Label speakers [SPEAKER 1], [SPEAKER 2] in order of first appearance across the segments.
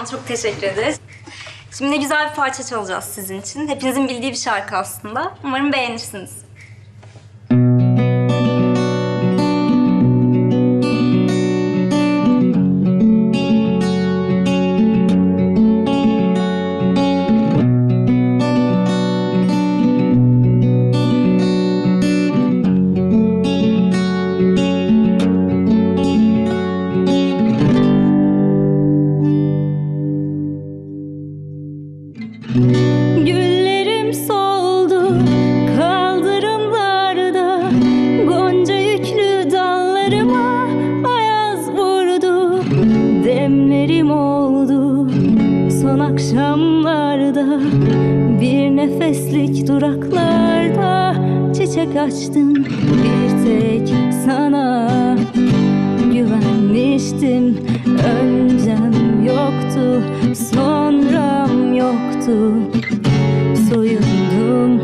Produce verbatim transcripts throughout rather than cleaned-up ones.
[SPEAKER 1] Tamam, çok teşekkür ederiz. Şimdi ne güzel bir parça çalacağız sizin için. Hepinizin bildiği bir şarkı aslında. Umarım beğenirsiniz.
[SPEAKER 2] Güllerim soldu kaldırımlarda, gonca yüklü dallarıma ayaz vurdu. Demlerim oldu son akşamlarda, bir nefeslik duraklarda çiçek açtım bir tek sana. Güvenmiştim, öncem yoktu, sonram yoktu. Soyundum,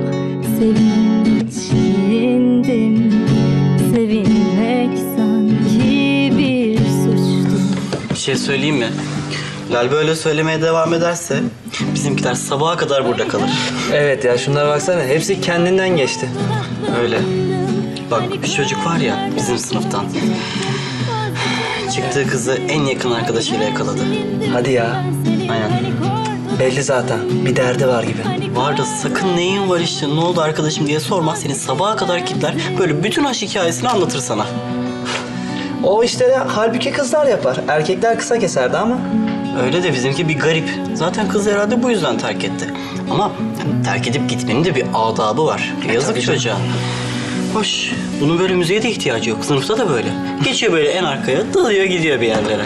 [SPEAKER 2] sevinçlendim. Sevinmek sanki bir suçtu.
[SPEAKER 3] Bir şey söyleyeyim mi? Lal böyle söylemeye devam ederse bizimkiler sabaha kadar burada kalır.
[SPEAKER 4] Evet ya, şunlara baksana. Hepsi kendinden geçti.
[SPEAKER 3] Öyle. Bak bir çocuk var ya bizim sınıftan. Çıktığı kızı en yakın arkadaşıyla yakaladı.
[SPEAKER 4] Hadi ya.
[SPEAKER 3] Aynen.
[SPEAKER 4] Belli zaten. Bir derdi var gibi.
[SPEAKER 3] Var da sakın neyin var işte, ne oldu arkadaşım diye sorma. Seni sabaha kadar kitler, böyle bütün aşk hikayesini anlatır sana.
[SPEAKER 4] O işleri halbuki kızlar yapar. Erkekler kısa keserdi ama.
[SPEAKER 3] Öyle de bizimki bir garip. Zaten kız herhalde bu yüzden terk etti. Ama yani terk edip gitmenin de bir adabı var. Yazık çocuğa. Hoş, bunun böyle müziğe de ihtiyacı yok. Sınıfta da böyle. Geçiyor böyle en arkaya, dalıyor gidiyor bir yerlere.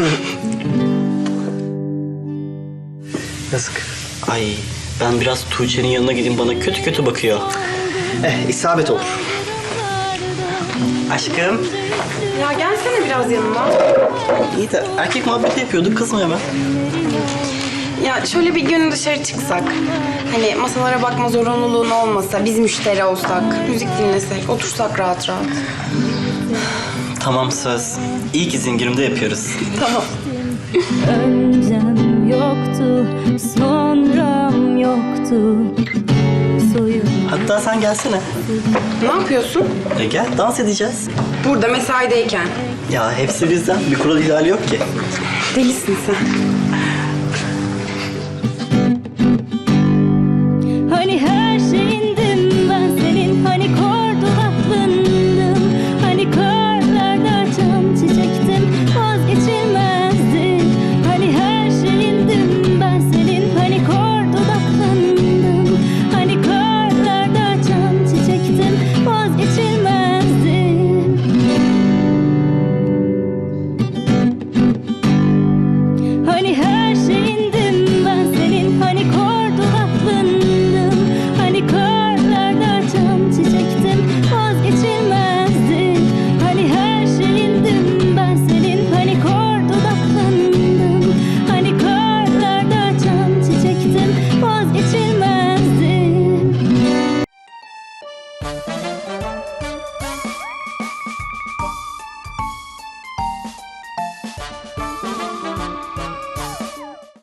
[SPEAKER 4] Yazık.
[SPEAKER 3] Ay, ben biraz Tuğçe'nin yanına gideyim, bana kötü kötü bakıyor.
[SPEAKER 4] Eh, isabet olur.
[SPEAKER 3] Aşkım.
[SPEAKER 5] Ya gelsene biraz yanıma.
[SPEAKER 3] İyi de erkek muhabbeti yapıyorduk, kızma hemen.
[SPEAKER 5] Ya şöyle bir gün dışarı çıksak. Hani masalara bakma zorunluluğun olmasa, biz müşteri olsak, müzik dinlesek, otursak rahat rahat.
[SPEAKER 3] Tamam, söz. İlk izin günümde yapıyoruz.
[SPEAKER 5] Tamam.
[SPEAKER 2] Öncem yoktu, sonram yoktu. Soyundum.
[SPEAKER 3] Hatta sen gelsene.
[SPEAKER 5] Ne yapıyorsun?
[SPEAKER 3] E gel, dans edeceğiz.
[SPEAKER 5] Burada mesaideyken.
[SPEAKER 3] Ya hepsi bizden. Bir kural ihlali yok ki.
[SPEAKER 5] Delisin sen.